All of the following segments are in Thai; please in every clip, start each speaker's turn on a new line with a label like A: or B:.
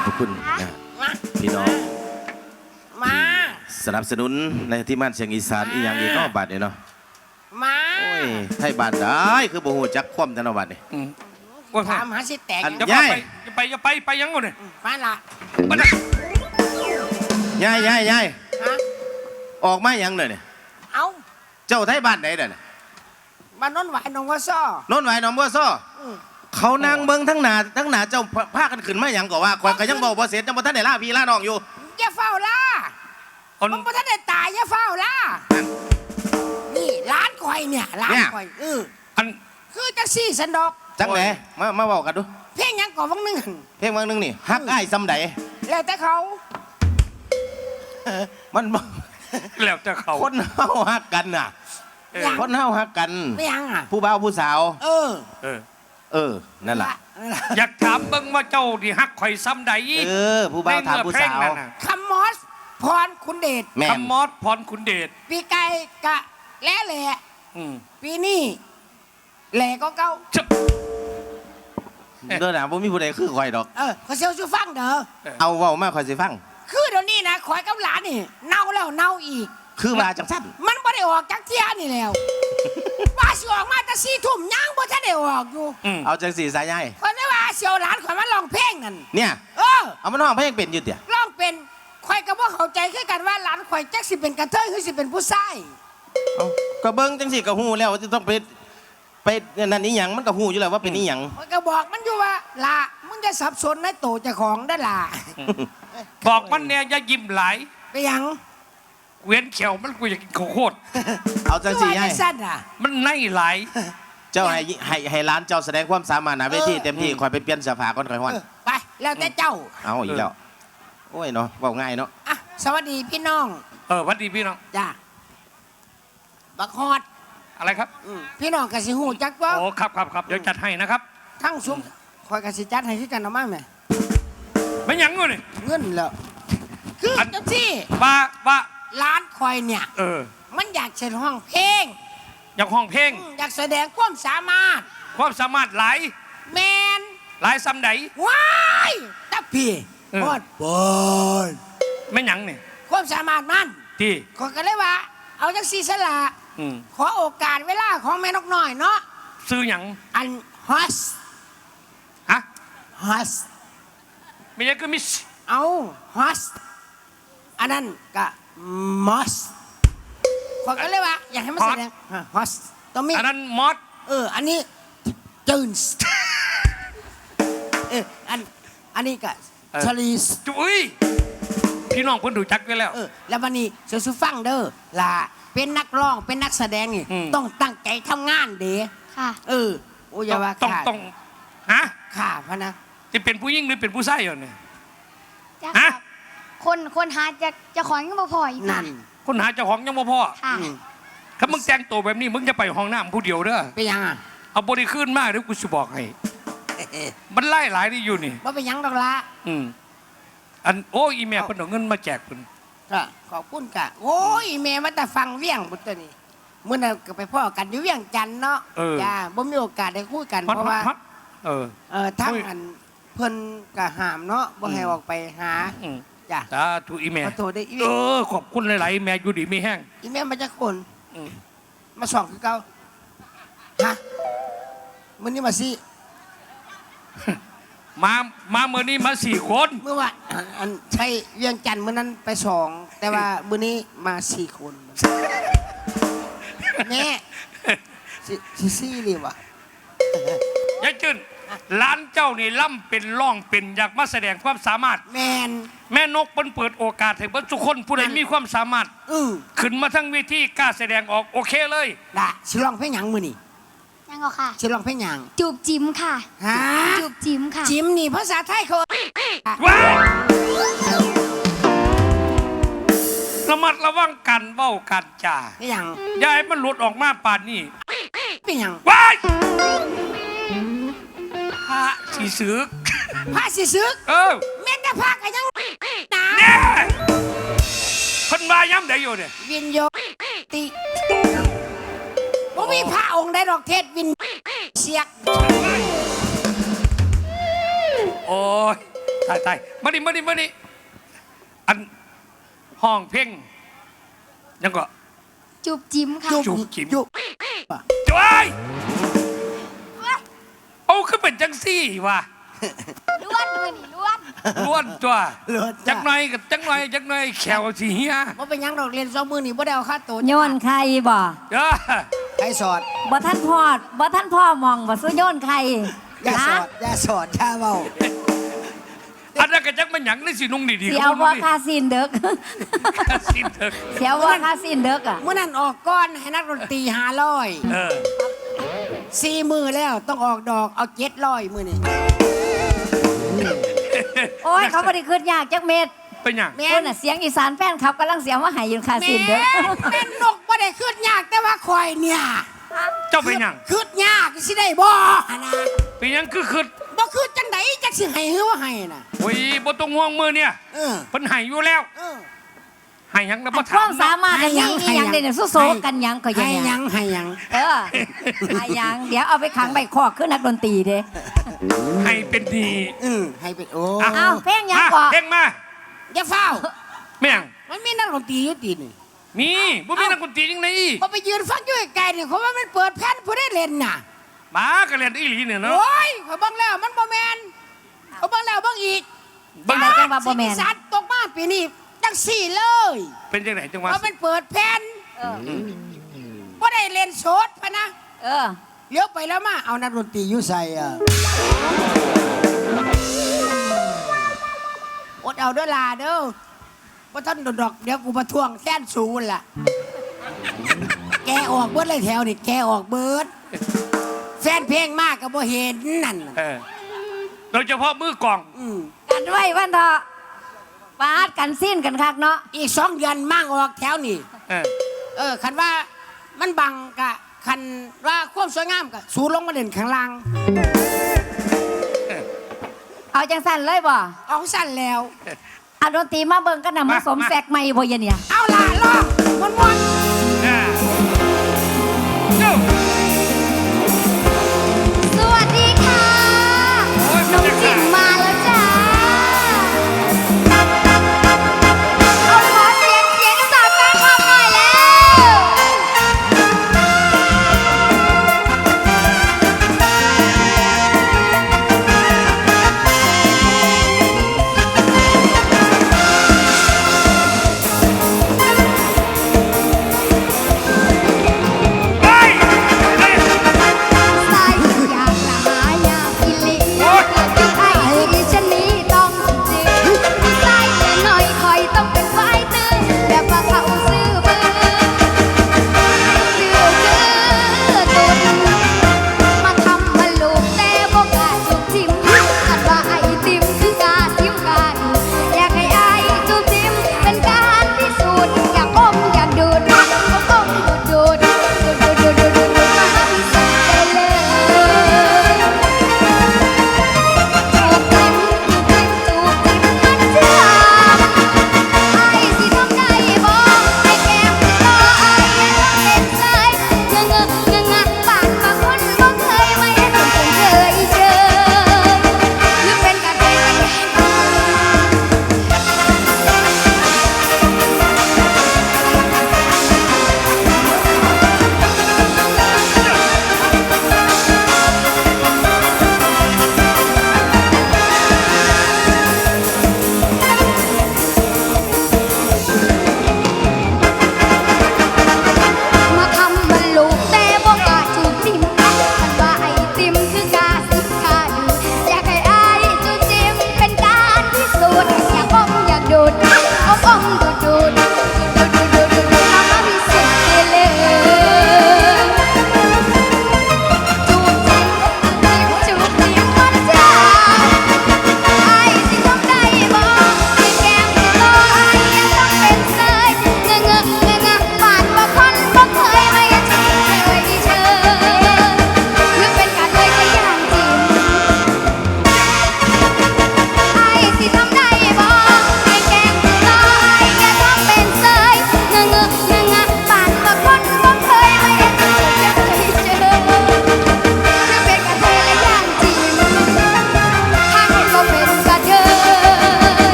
A: ขอบคุณพี่น้อง
B: มา
A: สนับสนุนในที่มั่นเสียงอีสานอีอย่างอีกก็บัตรเนี่ยเนาะ
B: มา
A: โอ้ยไทยบ้านได้คือบ่ฮู้จักคว่ำธนบัตรนี่
B: ว่าถามหาสิแตก
C: จะไปยังไงเนี่ย
B: มาละ
A: ยายออกมายังเลยเนี่ย
B: เอา
A: เจ้าไทยบ้านไหนเด้อเนี่ย
B: บ้านโน้นไหวหนองวัวซ้อ
A: โน้นไหวหนองบัวซ้อเขานางเบิ่งทั้งหนาเจ้าพากันขึ้นมาอย่างก็ว่าข่อยก็ยังบอกบ่เสร็จจังบ่ทันได้ล่าพี่ล่าน้องอยู่
B: อย่าเฝ้าล่ามันบ่ทันได้ตายอย่าเฝ้าล่านี่ร้านข่อยเนี่ยร้านข่อย
C: อัน
B: คือจังซี่สันดอก
A: จังไหนมาบอกกันดู
B: เพลงยังก่อวังนึง
A: เพลงวังนึงนี่ฮักอ้ายซำใด
B: แล้วแต่เขา
A: มัน
C: แล้วแต่เขา
A: คนเฮาฮักกันน่ะคนเฮาฮักกัน
B: ไม่ยังอ่ะ
A: ผู้บ่าวผู้สาวนั่นแหละ
C: อยากถามเบิ่งว่าเจ้าที่ฮักข่อยซ้ำใด
A: ผู้บ่าวถามผู้สาว
B: คำมอสพรคุณเดช
C: คำมอสพรคุณเดช
B: ปีไก่กะแล่แหล่ปีนี้แหล่ก็เก่า
A: เด้อนะบ่มีผู้ใดคือข่อยดอก
B: ขอเซลชูฟังเด้อ
A: เอาเว้ามาข่อยสิฟัง
B: คือเดี๋ยวนี้นะข่อยกับหลานนี่เน่าแล้วเน่าอีก
A: คือว่าจังซั่น
B: มันบ่ได้ออกจากเที่ยนี่แล้วว่าสิออกมาแต่4 ทุ่มยังบ่ทันได้ออกอยู่
A: เอาจังสี่สายใหญ่
B: ข่อยไม่ว่าเสียวหลานข่อยมาร้องเพลงนั่น
A: เนี่ยเอามันร้องเพลงเป็นอยู่เตี่ย
B: ร้องเป็นข่อยก็บ่เข้าใจคือกันว่าหลานข่อยจักสิเป็นกระเทยหรือสิเป็นผู้ชาย
A: ก็เบิ่งจังสี่ก็ฮู้แล้วว่าจะต้องไปนั่นนี่หยังมันก็ฮู้อยู่แล้วว่าเป็นนี่หยัง
B: ข่อยก็บอกมันอยู่ว่าล่ะมึงจะสับสนในโตเจ้าของได้ล่ะ
C: บอกมันเนี่ยอย่ายิ้มหลาย
B: ไปยัง
C: เวียนเขียวมันกูอยากกินข้าวโพด
A: เอาจังสี่ให้
C: มันในหลาย
A: เจ้าให้ร้านเจ้าแสดงความสามารถนะเวทีเต็มที่คอยไปเปลี่ยนเสื้อผ้าก่อนคอยฮ้อน
B: ไปแล้วแต่เจ้า
A: เอาอีกแล้วโอ้ยเนาะเว้าง่ายเนาะ
B: สวัสดีพี่น้อง
C: สวัสดีพี่น้อง
B: จ้าบักฮอด
C: อะไรครับ
B: พี่น้องกสิหูจักว่า
C: โอ้ครับเดี๋ยวจัดให้นะครับ
B: ทั้งซุ้มคอยกสิจัดให้ที่กันเอามาไหม
C: ไม่ยังเลย
B: เงินแล้วคือจังซี่
C: ว่า
B: ร้านคอยเนี่ยมันอยากเชิญห้องเพลง
C: อยากห้องเพลง
B: อยากแสดงความสามารถ
C: หลาย
B: แมน
C: หลายซ้ำใด
B: ว้ายตะพี่ฮอดบอย
C: ไม่ยังเนี่ย
B: ความสามารถมัน
C: ที่
B: ขอกันเลยว่าเอาจังซี่สละขอโอกาสเวลาของแม่นกน้อยเนาะ
C: ซื้อหยัง
B: อันฮอสฮอส
C: ไม่ใช่ก็มิส
B: เอาฮอสอันนั้นก็มอสขอกันเลยว่าอยากให้มันแสดงฮอสต้องมี
C: อันนั้นมอส
B: อันนี้จูนส์อันนี้ก็ชาลีส
C: จุ้ยพี่น้องเพิ่นดูจักกันแล้ว
B: แล้ววันนี้เสือซูฟังเด้อล่ะเป็นนักร้องเป็นนักแสดงนี่ต้องตั้งใจทำงานเด้ค่ะโอ้ยว่า
C: ต้องฮะ
B: ค่ะพะนะ
C: จะเป็นผู้หญิงหรือเป็นผู้ชายเหรอเนี่ย
D: ฮะคนหาจะของยังบ่พออีก
B: นั่น
C: คนหาเจ้าของยังบ่พอถ้ามึงแต่งตัวแบบนี้มึงจะไปห้องน้ำผู้เดียวเด้อ
B: ไปยัง
C: เอาบริขึ้นมากเดี๋ยวกูจะบอกให้มันไล่หลายที่อยู่นี่
B: ว่าไปยังดอกละ
C: อันโอ้อีเมลคนเอาเงินมาแจกคุณ
B: ก็ขอบคุณกะโอ้อีเมลมาแต่ฟังเวียงบุตรนี่เมื่อนั้นก็ไปพ่อกันอยู่เวียงจันเนาะจ้าบ่มีโอกาสได้คุยกันเพราะว่าทั้งอันเพิ่นกะหามเนาะบ่ให้ออกไปหาจ้า
C: ถูกอีเมล
B: ขอโทษได้
C: ขอบคุณหลายๆอีเมลอยู่ดีไม่แห้ง
B: อีเมลมาจากคนมาส่องคือเก่าฮะมื้อนี้มาสิ
C: มาเมื่อนี้มา4 คน
B: เมื่อวานอันใช่เวียงจันทร์เมื่อนั้นไป2แต่ว่ามื้อนี้มา4 คนแม่ซี่เลยวะ
C: ยายจืนร้านเจ้านี่ล่ำเป็นร่องเป็นอยากมาแสดงความสามารถแม่นกเปิดโอกาสให้ทุกคนผู้ใดมีความสามารถขึ้นมาทั้งเวทีกล้าแสดงออกโอเคเลย
B: ได้ชิลองเพลงหยังมือนี่
D: ยังเหรอค่ะ
B: ชิลองเพลงหยัง
D: จูบจิ้มค่ะจูบจิ้มค่ะ
B: จิ้มนี่ภาษาไทยเขา
C: ว้าวระมัดระวังกันเว้ากันจ่า
B: อย่าง
C: ยายมันหลุดออกมาป่านนี้
B: เป็นหยัง
C: ว้ายพระสีซึก
B: แม่แต่พระก็ยัง
C: เนี่ยคนมาย้ำได้อยู่เนี่ย
B: วินโยติบ่มีพระองค์ใดดอกเทศวินเสียก
C: โอ้ยตายมาดิอันห้องเพ่งยังก็
D: จูบจิ้มค่ะ
C: จุบจิ๋ม
B: จุบ
C: จ้อยเอาขึ้นเป็นจังซี่ว่ะ
D: ล้วนมือนี่ล้วน
C: ล้วนตัว
B: เลิศ
C: จักหน่อยกับจักหน่อยแขวสิเฮีย
B: บ่เป็นหยังดอกเรียน2 มื้อนี่บ่ได้เอาค่าตัว
E: โยนใครบ่
C: เด้อ
B: ใครสอด
E: บ่ท่านพ่อมองบ่ซื้อโยนใคร
B: อย่าส
E: นะ
B: อดอย่าสอดอย่าเว้า
C: อันนั้นก็จักมันหยังได้สินุ่งดีๆ
E: เสียวว่าคาซินเด็ก
C: คาสินเถอะ
E: เสียวว่าคาซินเด็กอ่ะ
B: มื้อนั้นออกก้อนให้นักดนตรี500
C: เออ
B: 4 มื้อแล้วต้องออกดอกเอา700มื้อนี่
E: โอ้ยเขาบ่ได้ขึ้นยากจักเม็ด
C: เป็นหยัง
B: แม่
E: เพิ่น
B: น
E: น่ะเสียงอีสานแฟนคลับกำลังเสียงว่าใหายยืนคาซินเด็ก
B: แม่นนกบ่ได้ขึ้นยากแต่ว่าข่อยเนี่ย
C: เจ้าเป็นหยัง
B: ขึ้นยากสิได้บ่หั่นนะ
C: เป็นหยังคือ
B: บ่ขึ้นจังไดจักสิให้หรือว่าให้น่ะ
C: โอ้ยบ่ต้องห่วงมือเนี่ย
B: เออ
C: เพิ่นให้อยู่แล้ว
B: เออ
C: ให้หยังแล้วบ่
E: ค
C: ถาม
E: วามสามารถกันหยังอีหยังเด้เนี่ยโซๆกันหยังก็อยัง
B: ให้ห
E: ห
B: ยั
E: ยัง
B: งให้หยัง
E: เออให้หยังเดี๋ยวเอาไปขังใบคอกขึ้นนักดนตรีเด้
C: ให้เป็นดี
B: ให้เป็นโอ้
C: อ่ะ
E: อ้าวเพลงหยัง
C: มา
E: ก่อ
C: เพลงมา
B: อย่าเฝ้า
C: แม่ง
B: มันมีนักดนตรีอยู่ตีนี่
C: มีบ่มีนักดนตรีจังได๋
B: พอไปยืนฟังอยู่ไกลๆเนี่ยเขาว่ามันเปิดแผ่นผู้ได้เล่นน่ะ
C: มาก็เล่นอีหลีเนี่ยเนาะ
B: โอ้ยเขาบังแล้วมันบ่แมนเขาบังแล้วบังอีก
E: จังไดจังว่าบ่แม่น
B: สิ่งสัตว์ตกมาปีนี้จังสี่เลย
C: เป็นจังไดจังหวะ
B: เพราะมันเปิดแผ่น
E: เออ
B: บ่ได้เล่นโสดพะนะ
E: เออ
B: เลี้ยวไปแล้วมาเอานักดนตรีอยู่ใส่อ่ะอดเอาเด้อลาเด้อบ่ท่านดอกเดี๋ยวกูมาทวงแค้นสูนล่ะ แกออกเบิดเลยแถวนี่แกออกเบิดแฟนเพลงมากก็บ่เห็นนั่นน่ะ
C: โดยเฉพาะมือกลอง
B: อืม
E: กันไว้วันเถอะปาดกันสิ้นกันคักเนาะ
B: อีก2 เดือนมั่งออกแถวนี่ คันว่ามันบังกะคันว่าความสวยงามกะสูลงมาเด่นข้างล่าง
E: เอาจังสั่นเลยบ่
B: ออกสั้นแล้ว
E: เอาดนตรีมาเบิ่งกันน่ะมาสมแสกใหม่บ่ยะเนี่ย
B: เอาล่ะลองมวน
D: สวัสดีค่ะ น้องจิ๋มมาแล้วจ้าเอาขอเสียงจากแฟนคลับหน่อยแล้ว
B: ๆ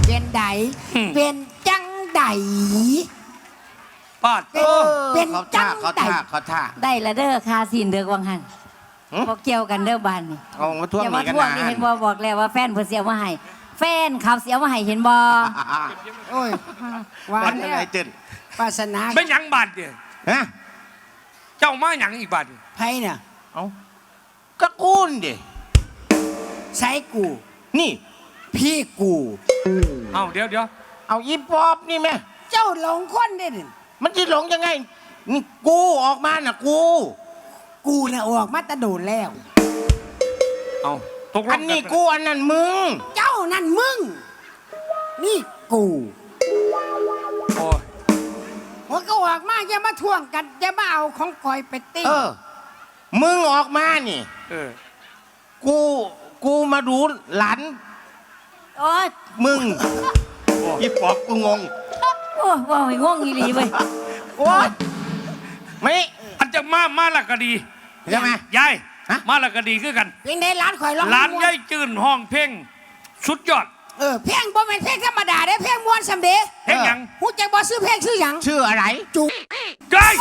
B: เป็นไดเป็นจังได
C: ปาด
B: เป็นจัง
A: เขา
B: ได
A: ท่า
E: ได้ละเด้อคาสินเด้อวังหันบ่เกี่ยวกันเด้อบ้านนี่
A: เอามาท่วง
E: อย่า
A: นี่
E: มา
A: กัน
E: ทวง
A: นะ
E: นี่เห็นบ่บอกแล้วว่าแฟนเพิ่นเสียมาให้แฟนเขาเสียมาให้เห็นบ่
B: โอ้ยว่า
A: มัน
B: แล้
A: อะไร
B: ว
A: เจน
B: ปาสนา
C: ไม่หยังบาดเนี่ย
A: ฮะ
C: เจ้ามาหยังอีกบาดเนี่ย
B: ไผเนี่ย
A: เอากระกูนดิ
B: ใช้กู
A: นี่
B: พี่กู
C: เอาเดี๋ยว
A: เอาอีปอบนี่แม่
B: เจ้าหลงคนได้ดิ
A: มันจะหลงยังไง นี่กูออกมาน่ะกู
B: กูน่ะออกมาแตะโดนแล้ว
C: เอาตกลง
A: อันนี้กูอันนั้นมึง
B: เจ้านั่นมึง นี่กู
C: โอ้ย
B: หัวก็ออกมาอย่ามาทวงกันอย่ามาเอาของคอยไปตี
A: เออ มึงออกมานี่
C: เออ
A: กูมาดูหลาน
E: โอ้ย
A: มึงอีปอบกูงง
E: โอ้ยว่าให้ง่วงอีหลีเว้ย
A: โอ๊ยไม่
C: อันจะมาละก็ดี
A: ใช่ไหม
C: ยาย
A: ฮะ
C: มาละก็ดีคือกัน
B: เพลงในร้านคอยร้อง
C: ร้าน
B: ม่ว
C: ยายจืนห้องเพลงสุดยอด
B: เพลงบ่เป็นเพลงธรรมดาเด้เพลงม้วนสำเด็จ
C: เพลงหยัง
B: หูจักบ่ซื้อเพลงชื่อหยัง
A: ชื่ออะไร
B: จุก
C: ยาย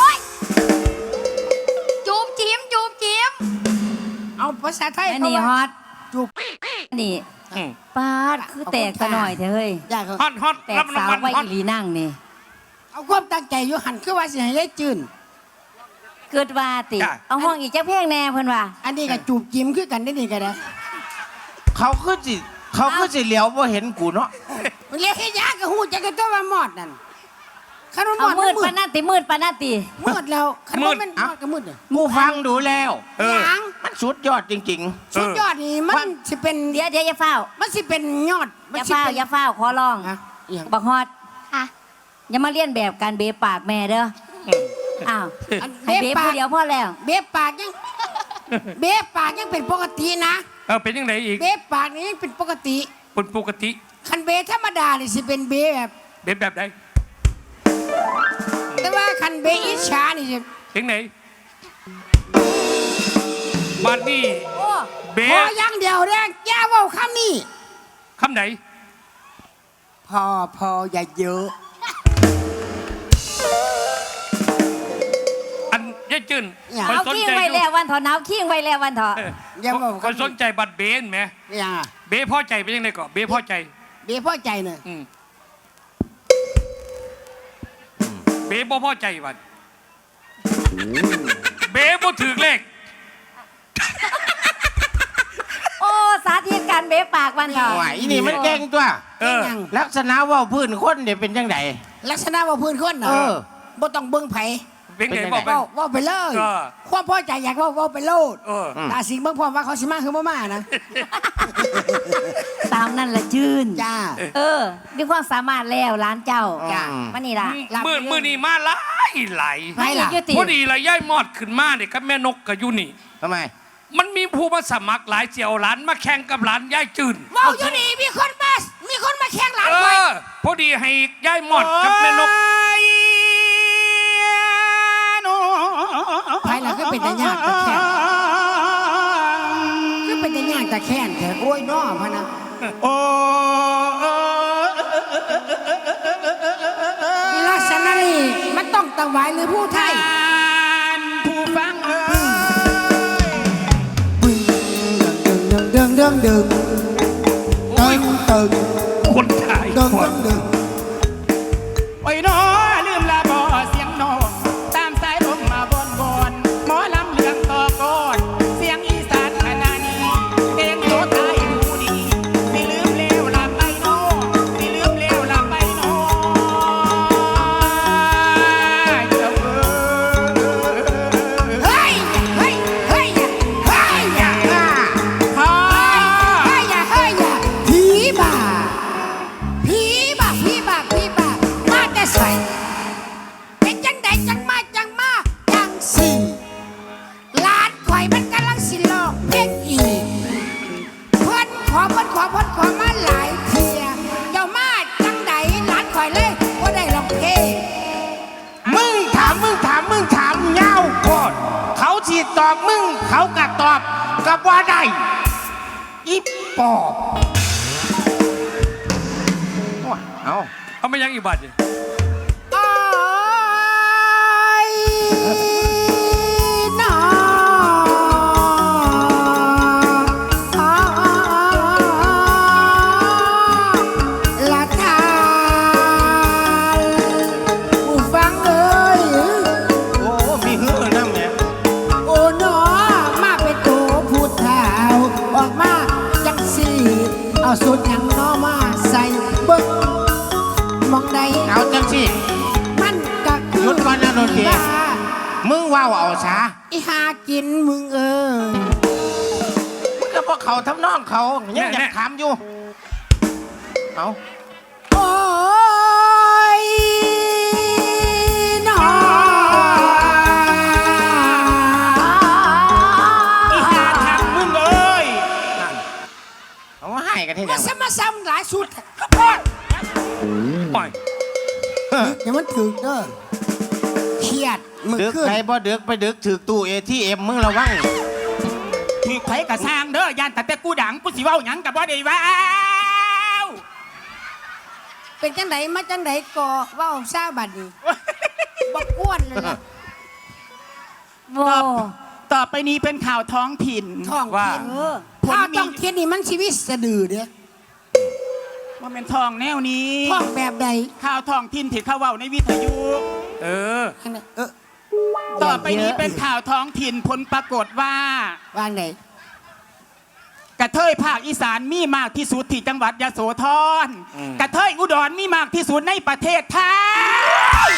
D: จูบจิ้มจูบจิ้ม
B: เอาภาษาไทย
E: อัน
B: เขา
E: นี้ฮ
B: ว่า
E: อต
B: จุก
E: อันนี้
C: อืม
E: ปาดคือแตกซะหน่อยเถอะเฮ้ย
B: อยากเขา
C: ฮอต
E: แต
C: รั
E: ก
C: บรา
E: สาง ว
C: วัล
E: ไว้
C: ฮอต
E: อีหลีนั่งนี่
B: เอาความตั้งใจอยู่หันคือว่าสิให้ยายจืน
E: เกิดว่าติเอาห้องอีกจักเพลงแน่เพิ่นว่า
B: อันนี้ก็จูบจิ้มคือกันได้นี่ก็ได้
A: เขาคือสิเหลียวว่าเห็นกูเนาะ
B: มันเรียกให้ยากกับหูจักกันตัวว่ามอดนั่นคันว่าม
E: เอา
B: อด
E: มืด
B: มื
E: ปานนั้นติมืดปานนั้นติ
B: มืดแล้วคันว่ามันมอดก็มืดเนี่ย
A: กูฟังดูแล้ว
C: เออ
B: หยัง
A: มันสุดยอดจริง
B: สุดยอดนี่มันสิเป็น
E: เดี๋ยวอย่าเฝ้า
B: มันสิเป็นยอด
E: อ
B: มัน
E: ย่า
B: สิ
E: เฝ้า
B: เป็น
E: อย่าเฝ้าขอร้อง
B: ฮะอีหยัง
E: บักฮอด
D: ค่ะ
E: อย่ามาเลียนแบบการเบะปากแม่เด้ออ้าว
B: อัน
E: ให้เบะผู้เดียวพอแล้ว
B: เบ๊ปากยังเบ๊ปากยังเป็นปกตินะ
C: เออเป็นยังไงอีก
B: เบ๊ปากนี่ยังเป็นปกติ
C: เป็นปกติ
B: คันเบ๊ธรรมดานี่สิเป็นเบ๊แบบ
C: เป็นแบบใด
B: แต่ว่าคันเบ๊อิจฉานี่สิ
C: เพลงไหนบาดนี่
E: โอ้
C: เบ
B: พอ
C: ส
B: อย่างเดียวแรงอย่าเว้าคำนี้
C: คำไหน
B: พออย่าเยอะ
C: อันยายจืน
B: อย่า
C: คอย
E: เอา
C: สน
E: ขี้ง
C: ใจ
E: ไว้
C: อยู่
E: แล้ววันเถอะหนาวขี้งไว้แล้ววันเถอะ
C: เออ
B: อย่าบอก
C: คอยสนใจบัตรเบนไหม
B: อย่างอ่ะ
C: เบพอใจเป็นยังไงก่อนเบพอใจ
B: เบ๊พอใจเนอะ
C: อืมเบบ่พอใจบัดเบบ่ถือเลข
E: โอ้สาธิตการเบะปากวันเถ
A: ๆ
E: อะ
A: ไหวนี่มันแกล้งตัว
C: เออ
B: ยัง
A: ลักษณะเว่าพื้นคนเนี่ยเป็นยังไง
B: ลักษณะว่าพื้นคนเน
A: เอ
B: อะ
A: อ
B: บ่ต้องเบิ่งไผ
C: เป็นไง
A: เป็นยังไง
C: บอกไป
B: เว้าไปเลย
C: เออ
B: ความพอใจอยากเว้าไปโลด
C: เออ
B: ตาสิงเบิ่งพร้อมว่าเขาสิมาคือบ่มานะ
E: ตามนั่นละจืน
B: จ้า
E: เออมีความสามารถแล้วร้านเจ้า
A: จ้ะ
E: มานี่ล่ะ
B: หลับ
C: มือนี่มาหลายหลาย
B: ไม่ล่ะ
E: ยุติ
C: พอดีละย่ายมอดขึ้นมาเนี่ยกับแม่นกกับยูนี่
A: ทำไม
C: มันมีผู้มาสมัครหลายเสี่ยวหลานมาแข่งกับหลานย่ายจืน
B: เว้าอยู่นี่มีคนมาแข่งหลาน
C: เอ
B: ข่อย
C: อ พอดีให้ย่ายมอดกับแม่นก
B: ไผล่ะคือเป็นแต่ยากแต่แค้นคือเป็นแต่ยากแต่แค้นแท้โอ้ยน้อพะนะ
A: โอ้
B: ลักษณะนี้มันต้องตะไหวหรือผู้ไทย
A: ผู้ฟังเอ้ย
B: ดึงดึงดึง
C: โอ้ย
B: ตึง
C: คนไทย
B: ดึง
C: คน
B: ดึง
F: โอ้ยน้อลืมลาบ่เสียงน้องตามสายลมมาบอนหมอลำเรื่องต่อก่อนเสียงอีสานขนาดนี้เองโตตายผู้ดีสิลืมเลวลาไปน้อสิลืมเลวลาไปน้อเจ้า
B: เฮ
F: เอ้
B: ้ยเฮ้ยเฮ้ยเฮ้ยอย่า
F: พ่อ
B: เฮ้ยอย่าเฮ้ยอย่าผีบ้าผีบ้าผีบ้าผีบ้ามาแต่ใส่เป็นจังใดจังมาจังสี่หลานข่อยมันกำลังสิลอกเพลงอีกเพิ่นขอมาหลายเทียเจ้ามาจังใดหลานข่อยเลยบ่ได้ลองเพลง
A: มึงถามเงาโคตรเขาฉีดตอบมึง เขากัดตอบกับว่าได้อีปอบ
C: เอาไม่ยังอีกบาทดิ
B: อ้ายน้อละทานผู้ฟังเอ้ย
A: โอ้มีหื้อน้ำเนี่ย
B: โอ้หนอมาเป็นตัวผู้เฒ่าออกมาจังสีเอาสุดหยังหนอมาใส่เบิ้งมองใด
A: เอาจังสิ
B: มันก็คือ
A: หยุดก่อนนะโดนเดีย มึงว่าวเอาช้า
B: อีหากินมึงเออ
A: มึงก็พวกเขาทำนองเขายังอยากถามอยู่เอา
B: โอ้ยหนอ
F: อีหาทางมึงเอ้ย
A: เอามาให้กันที่ไหน
B: มาซ้ำหลายสุด
C: ปล่อย
B: อย่ามันถึกเด้อเครียดมึง
A: ดึก
B: ขึ้น
A: ใครบ่ดึกไปดึกถือตู้ ATM มึงระวัง
F: ถือไผกระสร้างเด้อยานแต่กูดังกูสิเว้าหยังกับว่าได้ว้าว
B: เป็นจังไดมาจังไดก่อเว่าซาบัดนี้บ่อ้วนเลยนะ
E: โว้
F: ต่อไปนี้เป็นข่าวท้องถิ่น
B: ท้อง
C: ว่า
B: ถิ่นถ้าต้องเทียนนี่มันชีวิตสะดือเด้อ
F: ว่าเป็นทองแนวนี้
B: ท้องแบบใด
F: ข่าวท้องถิ่นที่เขาเว้าในวิทยุ
C: เออ
F: ต่อไปนี้เป็นข่าวท้องถิ่นผลปรากฏว่า
B: ว่างไหน
F: กระเทยภาคอีสานมีมากที่สุดที่จังหวัดยโสธรกระเทยอุดรมีมากที่สุดในประเทศไทย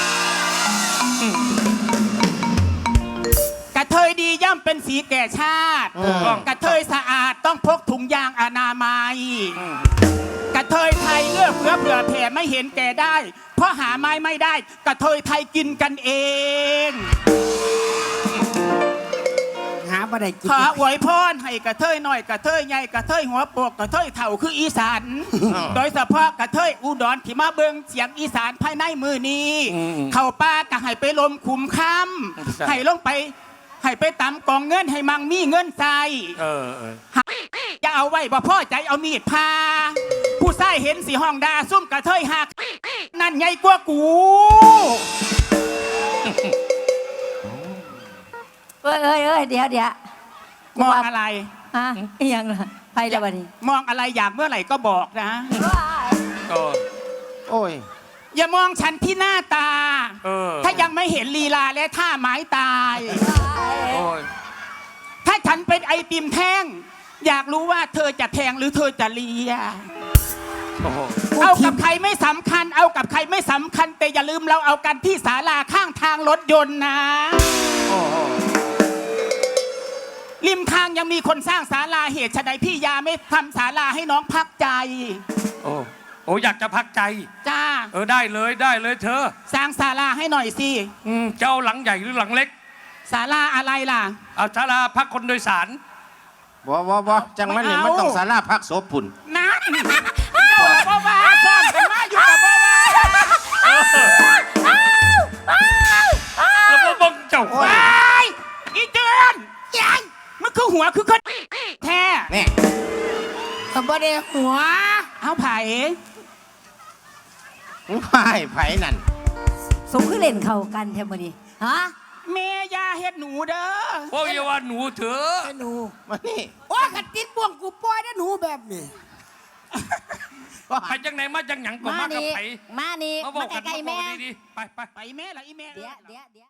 F: กระเทยดีย่อมเป็นสีแก่ชาติกระเทยสะอาดต้องพกถุงยางอนามัยกระเทยไทยเอื้อเฟื้อเผื่อแผ่ไม่เห็นแก่ได้ เพราะหาไม้ไม่ได้กระเทยไทยกินกันเอง
B: หาบ่ได้กิน
F: ขออวยพรให้กระเทยหน่อยกระเทยใหญ่กระเทยหัวโปกกระเทยเถ่าคืออีสานโดยเฉพาะกระเทยอุดรที่มาเบิงเสียงอีสานภายในมือนี้ เข้าป่าก็ให้ไปลมขุมค่ำให้ลงไปให้ไปตำกองเงินให้มังมีเงินใส่
C: เออ
F: จะเอาไว้บ่พ่อใจเอามีดพา ผู้ชายเห็นสีห้องดาซุ่มกระเทยหักนั่นไงกว่ากู
E: เอ้ยเดี๋ยว
F: มองอะไร
E: ฮะอีหยังล่ะไปแล้วบัดนี้
F: มองอะไรอยากเมื่อไหร่ก็บอกนะ
C: ก็
A: โอ้ย
F: อย่ามองฉันที่หน้าตา
C: เออ
F: ถ้ายังไม่เห็นลีลาและท่าไม้ตาย
C: โอ้ย
F: ถ้าฉันเป็นไอติมแท่ง อยากรู้ว่าเธอจะแทงหรือเธอจะเลีย
C: โอ้โห
F: เอากับใครไม่สำคัญ เอากับใครไม่สำคัญ แต่อย่าลืมเราเอากันที่ศาลาข้างทางรถยนต์นะ
C: โอ้โห
F: ริมทางยังมีคนสร้างศาลาเหตุไฉนพี่ยาไม่ทำศาลาให้น้องพักใจ
C: โอ้โอ้อยากจะพักใจ
F: จ้า
C: ได้เลยเธอ
F: สร้างศาลาให้หน่อยสิ
C: เจ้าหลังใหญ่หรือหลังเล็ก
F: ศาลาอะไรล่ะ
C: เอาศาลาพักคนโดยสาร
A: บ่จังมันนี่มันต้องสาราพักโสปุ่น
F: นั่นเจ้าบ่ว่าซ่อนกันมาอยู่กับบ่ว่า
C: แล้วมาบังเจ้า
F: ว้ายอีเจือนยัยมันคือหัวคือคนแท้
A: นี่
B: ก็บ่ได้หัว
F: เอาไผ่
A: ไผ่นั่น
E: สมคือเล่นเข้ากันแท้บ่นี่ฮะ
F: แม่ยาเฮ็ดหนูเด้อ
C: โอ้ยอย่าว่าหนูเถอะ
B: ไอ้หนู
A: มานี่
B: โอ้ยขัดติดบ่วงกูปล่อยนะหนูแบบนี้
C: ไปจังไหนมาจังหยังก็มากับไผ
E: มานี่
C: มาบอกกัน
E: ใกล้
C: มา
E: ๆ
C: บอ
E: แม่
C: กดีๆไป
F: ไปแม่ละอีแม่
E: เดี๋ยว